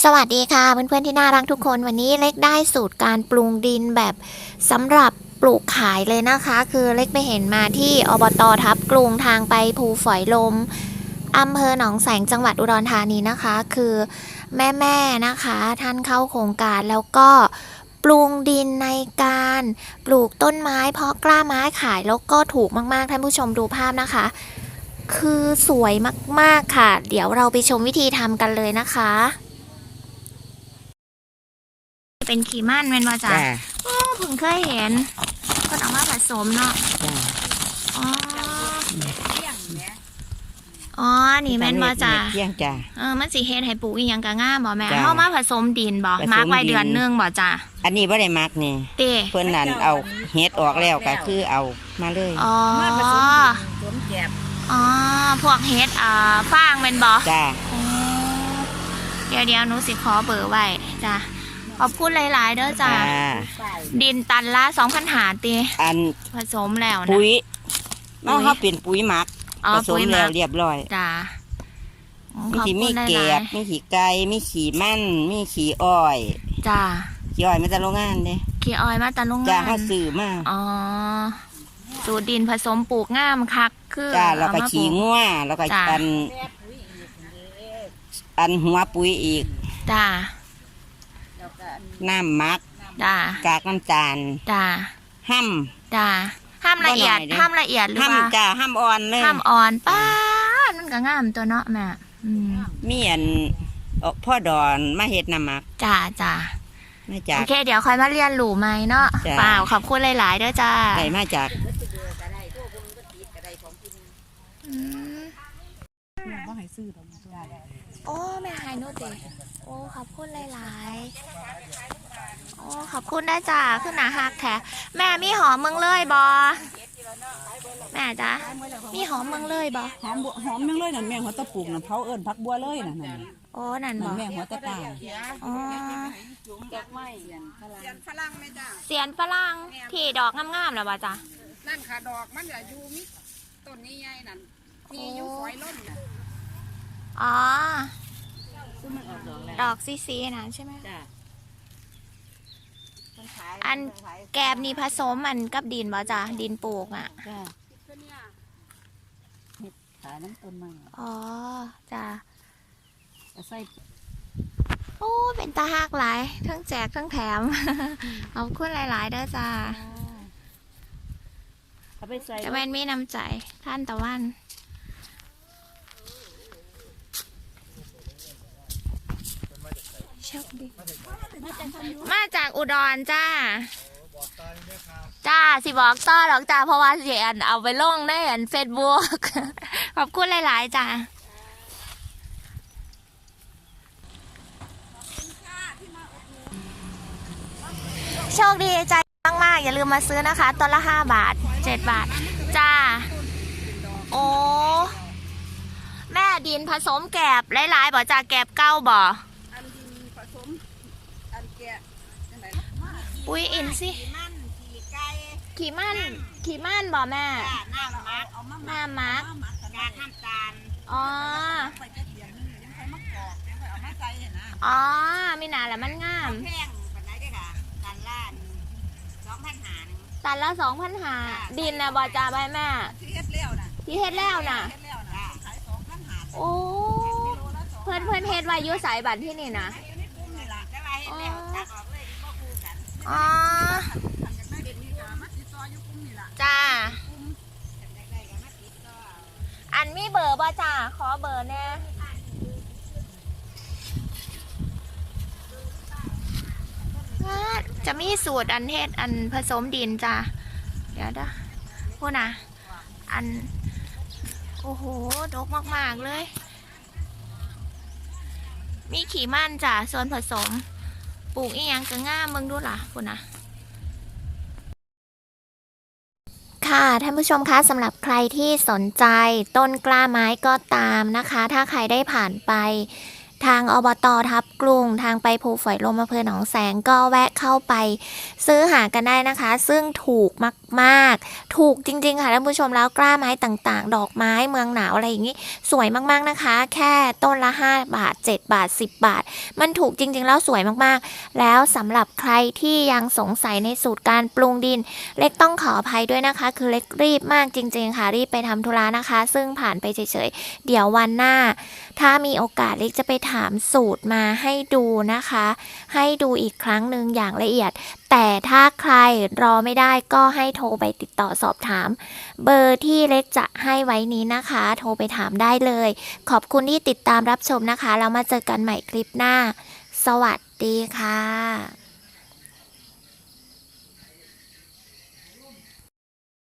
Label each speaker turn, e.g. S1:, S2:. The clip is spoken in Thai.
S1: สวัสดีค่ะเพื่อนๆที่น่ารักทุกคนวันนี้เล็กได้สูตรการปรุงดินแบบสำหรับปลูกขายเลยนะคะคือเล็กไปเห็นมาที่อบต.ทับกรุงทางไปภูฝอยลมอำเภอหนองแสงจังหวัดอุดรธานีนะคะคือแม่ๆนะคะท่านเข้าโครงการแล้วก็ปรุงดินในการปลูกต้นไม้เพาะกล้าไม้ขายแล้วก็ถูกมากๆท่านผู้ชมดูภาพนะคะคือสวยมากๆค่ะเดี๋ยวเราไปชมวิธีทำกันเลยนะคะเป็นขีม่านแม่นว่าจ้ะโอ้เพิ่งเคยเห็นก็ต้องมาผสมเนาะอ๋ออ๋อนี่แม่นว่าจ้ะ
S2: เที่ยงจ้ะ
S1: มันสิเฮ็ดให้ปลูกอีหยังก็งามบ่แม่เฮามาผสมดินบ่มาร์กไว้เดือนนึงบ่จ้ะ
S2: อันนี้บ่ได้มักนี่
S1: เต้
S2: เพิ่นนั่นเอาเฮ็ดออกแล้วก็คือเอามาเลย
S1: อ๋ออ๋อพวกเฮ็ดฟางแม่นบ่
S2: จ้ะ
S1: เดี๋ยวหนูสิขอเบอร์ไว้จ้ะขอบคุณหลายๆเด้อจ้ะดินตันละ2,500ติ
S2: อัน
S1: ผสมแล้วนะ
S2: ปุ๋ยเนาะเฮาเป็นปุ๋ยหมักผสมแล้วเรียบร้อย
S1: จ้ะ
S2: มีแกบมีขี้ไก่มีขี้มันมีขี้อ้อย
S1: จ้ะ
S2: ขี้อ้อยมาจากโรงงานเด้
S1: ขี้อ้อยมาจากโรงงาน
S2: จ้ะเฮาซื้อมา
S1: อ๋อสูตรดินผสมปลูกงามคักคือ
S2: จ้ะแล้วก็ขี้งัวแล้วก็อันหัวปุ๋ยอีก
S1: จ้ะ
S2: น้ำหมัก
S1: จ้ะ
S2: กากน้ำตาล
S1: จ้ะ
S2: ห้
S1: จ้ะห้ามละเอียดหรือว่า
S2: จ้ะห้ามอ่อนเลย
S1: ห้ามอ่อนป้ามันก็งามตัวเนาะแม่
S2: มีอันพ่อดอนมาเฮ็ดน้ำหมัก
S1: จ้ะจ้ะ
S2: มาจาก
S1: โอเคเดี๋ยวค่อยมาเรียนรู้ไหมเนาะเปล่าขอบคุณหลายๆเด้อจ้า
S2: ได้มาจาก
S1: โอ้แม่หายโนติโอ้ขอบคุณหลายๆโอ้ขอบคุณได้จ้าขึ้นหนาหักแท้แม่มีหอมเมืองเลยบอแม่จ้ามีหอมเมืองเลยบอ
S3: หอมเมืองเลยนั่นแม่หัวตะปลูกนั่นเผาเอิญพักบัวเลยนั่น
S1: โอ้นั่นบอ
S3: แม่หัวตะตา
S1: อ๋อ
S4: เสียนฝรั่งไหมจ้า
S1: เสียนฝรั่งที่ดอกงามๆแล้วบอจ้า
S4: นั่นค่ะดอกมันจะอยู่มิต้นนี้ใหญ่นั่นมีอยู่ฝอยล้น
S1: อ๋อดอกซีนะใช่ไหมอันแกบนี่ผสมมันกับดินบ่จ้ะดินปลูกอ่ะ
S3: ขายน้ำต้นไม้
S1: อ๋อจ้ะ
S3: ใส่
S1: โอ้เป็นตาหักหลายทั้งแจกทั้งแถมขอบคุณหลายๆเด้อจ้าจะเป็นมีน้ำใจท่านตะวันมาจากอุดรจ้าสิบอกต่อหรอกจ้าเพราะว่าเสียนเอาไปลงได้อันFacebook ขอบคุณหลายๆจ้าโชคดีใจมากๆอย่าลืมมาซื้อนะคะต้นละ5 บาท7 บาทจ้าโอ้แม่ดินผสมแกบหลายๆบ่จ้าแกบเก้าบ่ปุ๋ยอินสิขี่มันบ่แม่น้ำมักอ๋ออ๋อมีหนาแล้วมันงามตันละ2,500ดินนะบ่จ้าใบแม่ที่เฮ็ดแล้วน่ะโอ้เพื่อนเฮ็ดไว้ยุ่สายบัตรที่นี่นะอ๋อจ้าอันมีเบอร์บ่จ้าขอเบอร์แน่จะมีสูตรอันเฮ็ดอันผสมดินจ้าเดี๋ยวนะพูดนะอันโอ้โหดกมากๆเลยมีขี่มันจ้าส่วนผสมปลูกอีหยังก็ง่ามมึงดูล่ะคุณนะค่ะท่านผู้ชมคะสำหรับใครที่สนใจต้นกล้าไม้ก็ตามนะคะถ้าใครได้ผ่านไปทางอบต.ทับกรุงทางไปภูฝอยลมอำเภอหนองแสงก็แวะเข้าไปซื้อหากันได้นะคะ ซึ่งถูกมากๆถูกจริงๆค่ะท่านผู้ชมแล้วกล้าไม้ต่างๆดอกไม้เมืองหนาวอะไรอย่างนี้สวยมากๆนะคะแค่ต้นละ5 บาท7 บาท10 บาทมันถูกจริงๆแล้วสวยมากๆแล้วสำหรับใครที่ยังสงสัยในสูตรการปรุงดินเล็กต้องขออภัยด้วยนะคะคือเล็กรีบมากจริงๆค่ะรีบไปทำธุระนะคะ ซึ่งผ่านไปเฉยๆเดี๋ยววันหน้าถ้ามีโอกาสเล็กจะไปถามสูตรมาให้ดูนะคะให้ดูอีกครั้งหนึ่งอย่างละเอียดแต่ถ้าใครรอไม่ได้ก็ให้โทรไปติดต่อสอบถามเบอร์ที่เล็กจะให้ไว้นี้นะคะโทรไปถามได้เลยขอบคุณที่ติดตามรับชมนะคะแล้วมาเจอกันใหม่คลิปหน้าสวัสดีค่ะ